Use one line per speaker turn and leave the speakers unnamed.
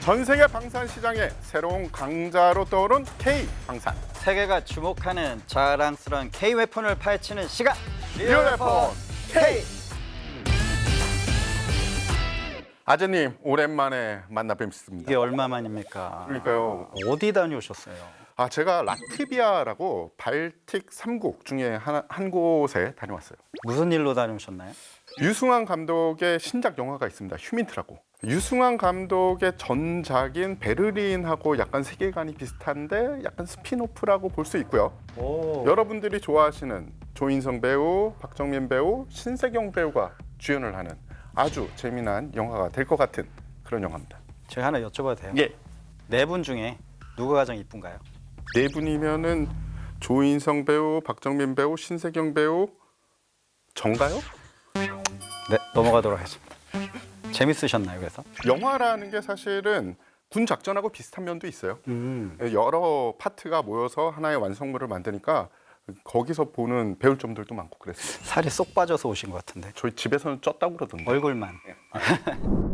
전 세계 방산 시장의 새로운 강자로 떠오른 K 방산.
세계가 주목하는 자랑스러운 K 웨폰을 파헤치는 시간.
리얼 웨폰 K. 아재님 오랜만에 만나 뵙습니다.
이게 얼마만입니까?
그러니까요.
어디 다녀오셨어요?
제가 라트비아라고 발틱 3국 중에 한 곳에 다녀왔어요.
무슨 일로 다녀오셨나요?
유승환 감독의 신작 영화가 있습니다. 휴민트라고. 유승환 감독의 전작인 베를린하고 약간 세계관이 비슷한데 약간 스피노프라고 볼 수 있고요. 여러분들이 좋아하시는 조인성 배우, 박정민 배우, 신세경 배우가 주연을 하는 아주 재미난 영화가 될 것 같은 그런 영화입니다.
제가 하나 여쭤봐도 돼요?
예.
네 분 중에 누가 가장 이쁜가요?
네 분이면은 조인성 배우, 박정민 배우, 신세경 배우 정가요?
네, 넘어가도록 하겠습니다. 재밌으셨나요, 그래서?
영화라는 게 사실은 군 작전하고 비슷한 면도 있어요. 여러 파트가 모여서 하나의 완성물을 만드니까 거기서 보는 배울 점들도 많고 그랬어요.
살이 쏙 빠져서 오신 것 같은데.
저희 집에서는 쪘다고 그러던데.
얼굴만.